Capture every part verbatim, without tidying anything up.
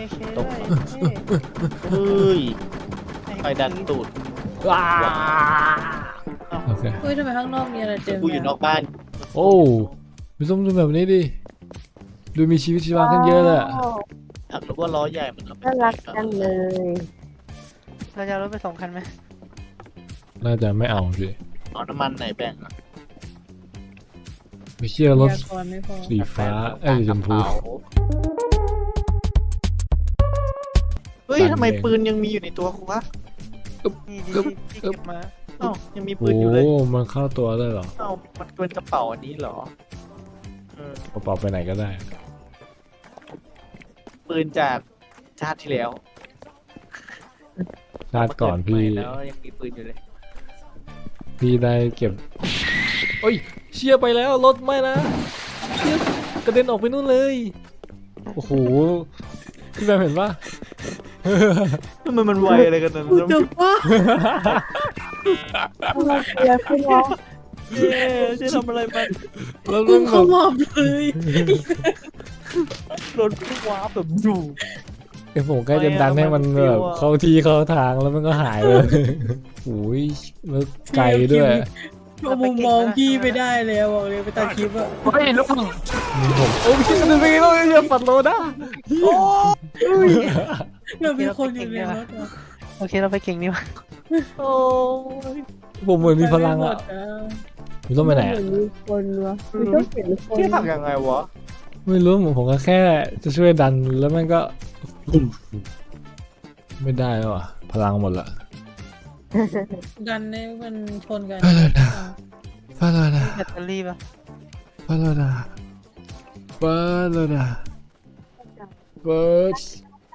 เคตกด้วยเท่เฮ้ยไฟดันตูดว้าโอเคเฮ้ยทำไมข้างนอกมีอะไรเต็มกูอยู่นอกบ้านโอ้พี่ส้มดูแบบนี้ดิดูมีชีวิตชีวาขึ้นเยอะเลยอะถักรู้ว่าล้อใหญ่มันทำให้น่ารักจังเลยเราจะเอารถไปสองคันไหมน่าจะไม่เอาสิเอาน้ำมันไหนแบ่งอะไม่เชื่อรถยากรไม่พอสีฟ้าเอ้ยสีชมพูเฮ้ยทำไมปืนยังมีอยู่ในตัวกูวะนี่ดีที่ที่เก็บมาเอ้ายังมีปืโอ้นอยู่เลยมันเข้าตัวเลยเหรอเอ้ามันเป็นกระเป๋าอันนี้เหรอเออกระเป๋าไปไหนก็ได้ปืนจากชาติที่แล้วชาติก่อนพี่เามาเดใหม่แล้วยังมีปืนอยู่เลยพี่ได้เก็บโอ้ยเชี่ยไปแล้วรถไม่นะเชี่ยกระเด็นออกไปนู่นเลยโอ้โหพี่แบมเห็นปะมันมันไวอะไรกันนะกูจะว่าเราเชียร์พี่น้องเย้จะทำอะไรมันแล้วกูเรื่องเข้าหมอบเลยรถพุ่งว้าร์ปแบบดูไอ้ผมใกล้จะดันให้มันแบบเข้าที่เข้าทางแล้วมันก็หายเลยโอ้ยแล้วไกลด้วยเอามุมมองพี่ไม่ได้แล้วบอกเลยไปตัดคลิปอะเฮ้ยลูกผมโอ้ยพี่กระเด็นไปไงแล้วอย่าปัดโลนะโอ้เรามีคนอยู่ในรถอะโอเคเราไปเก่งดีกว่าโอ้ยผมเหมือนมีพลังอ่ะพี่ต้องไปไหนเหมือะอนมีคนวะมีต้องเห็นคนที่ทำยังไงวะไม่รู้ผมผมก็แค่จะช่วยดันแล้วมันก็ ไม่ได้แล้วอ่ะพลังหมดละดันให้มันชนกันฟาโลดาแบตเตอรี่ป่ะฟาโลดาฟาโลดาเบิร์ด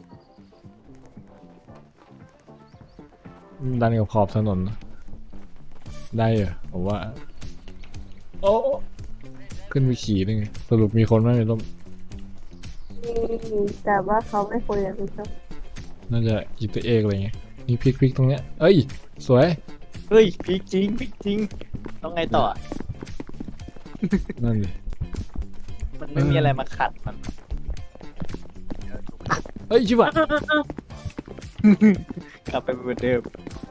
ดันกับขอบถนนนะได้เหรอผมว่าโอ้ขึ้นไปขี่ได้ไงสรุปมีคนไหมในร่มมีแต่ว่าเขาไม่คุยกับพี่ชอบน่าจะอีตัวเอกอะไรเงี้ยนี่พลิกพลิกตรงเนี้ยเอ้ยสวยเฮ้ยพลิกจริงพลิกจริงต้องไงต่อนั่นดิมันไม่มีอะไรมาขัดมันเฮ้ยชิบะกลับไปเหมือนเดิม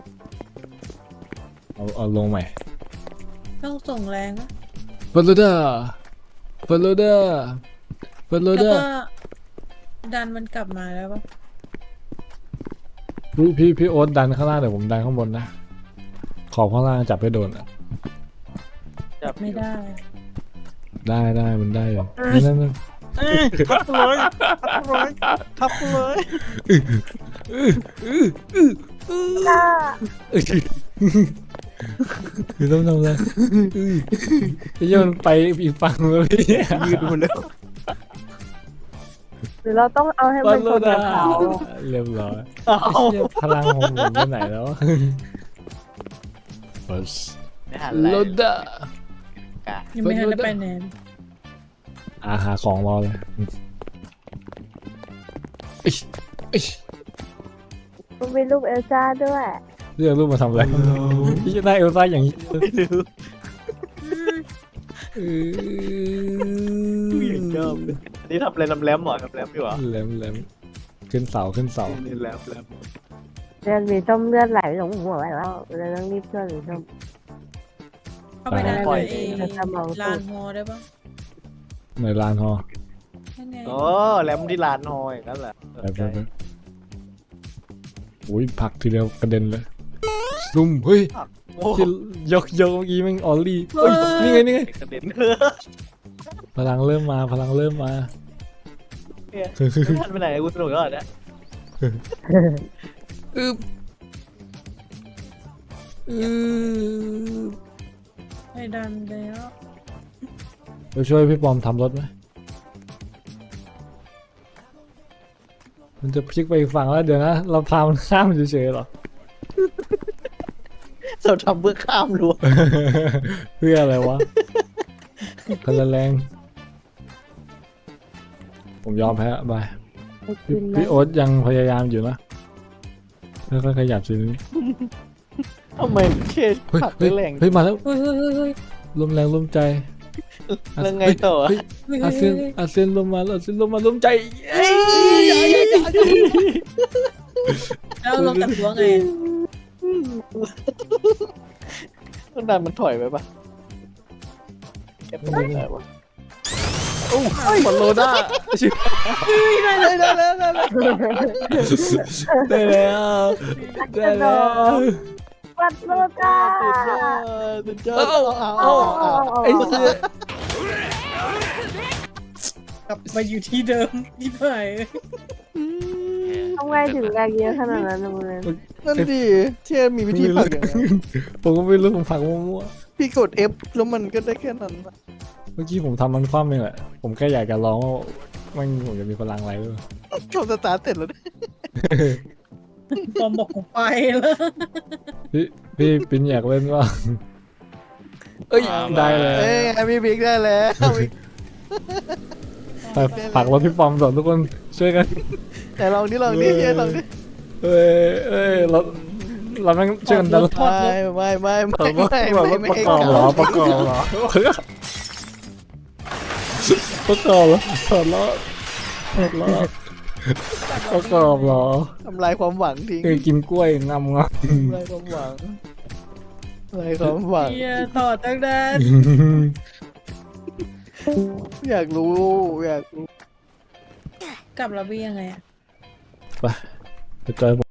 เอาเอาลงใหม่ต้องส่งแรงนะฟาโลดาฟาโลดาฟาโลแล้วดาก็ดันมันกลับมาแล้วปะพี่พี่พี่โอ๊ตดันข้างล่างเดี๋ยวผมดันข้างบนนะขอบข้างล่างจับให้โดนอ่ะจับไม่ได้ได้ได้มันได้อยู่นั่นนั่นนั่นเอ้ยทับเลยทับเลยทับเลยจ้าคือต้องทำอะไรพี่โยนไปอีกฝั่งแล้วพี่ยืดหมดแล้วหรือเราต้องเอาให้ฟามันโลชนกัดาบเขาเรียบร้อยเอาเชี่ยพลังของผมไปไหนแล้วฟาไม่หันอะไรโลดายังไม่ทันได้ไปไหนอาหาของรอเลยอิ๊ยอิ๊ยมันมีรูปเอลซ่าด้วยเรื่องรูปมาทำอะไรพี่จะได้เอลซ่าอย่างนี้ไม่รู้เอผู้หญิงชอบเลยอันนี้ทำอะไรลำแรมเหรอลำแรมอยู่เหรอแหลมแหลมขึ้นเสาขึ้นเสานี่แรมแรมเลือดมีต้มเลือดไหลลงหัวแล้วเราต้องรีบช่วยหรือต้มเข้าไปได้ปล่อยเองแต่สมองลานฮอได้ปะในลานฮอนั่นไงโอ้แรมที่ลานฮอยนั่นแหละไปไปไปอุ้ยผลักทีเดียวกระเด็นเลยซุ่มเฮ้ยโอ้ที่ยกยกเมื่อกี้แมันออลลี่เฮ้ยนี่ไงนี่ไงกระเด็นพลังเริ่มมาพลังเริ่มมาเนี่ยไม่ทันไปไหนกูสนุกแล้วเหรอเนี่ยอึบอึบให้ดันแล้วไปช่วยพี่ปอมทำรถไหมมันจะพลิกไปอีกฝั่งแล้วเดี๋ยวนะ เราพามันข้ามเฉยๆหรอเราทำเพื่อข้ามรั้วเพื่ออะไรวะพลังแรง ผมยอมแพ้บายไปกินไหมพี่โอ๊ตยังพยายามอยู่นะค่อยๆขยับสิทำไมเชษเฮ้ยผักเฮ้ยแรงเฮ้ยมาแล้วเฮ้ยเฮ้ยเฮ้ยเฮ้ยลมแรงลมใจแล้วไงต่อเฮ้ยอาเซียนอาเซียนลงมาอาเซียนลงมาล้มใจเอ้ยแล้วเราตัดหัวไงต้องดันมันถอยไปปะแกเป็นยังไงวะโอ้ยบอลโลด้าชิบได้ได้ได้ได้ได้ได้แล้วได้แล้วปัดโลจ้าสุดยอดสุดยอดเอาเอาเอาไอ้เหี้ยกลับมาอยู่ที่เดิมที่ไหนทำไงถึงแรงเยอะขนาดนั้นนะมึงนั่นดิเช่นมีวิธีผลักยังไงผมก็ไม่รู้ผมผลักมั่วพี่กด F แล้วมันก็ได้แค่นั้นอะๆเมื่อกี้ผมทำมันคว่ำเองแหละผมแค่อยากจะลองว่ามันผมจะมีพลังอะไรด้วยจบสตาร์ทเสร็จแล้วเนี่ยปอมบอกกูไปแล้วพี่พี่ปิ้นอยากเล่นว่าเอ้ยได้เลยเอ้ยไงพี่บิ๊กได้แล้วไปผลักรถพี่ปอมก่อนทุกคนช่วยกันแต่ลองดิลองดิเย้ลองดิเอ้ยเอ้ยเราเราแม่งช่วยกันดันรถไม่ไม่ไม่เอไม่อไม่ว่าไม่ประไม่กอบเหรอประกอบเหรอประกอบเหรอถอดล้อถอดล้อประกอบเหรอทำลายความหวังทิ้งเคยกินกล้วยงำงทำลายความหวังทำลายความหวังเฮียต่อตั้งนานำอยากรู้อยากรู้กลับระเบียงไงอะไปไปจอยผม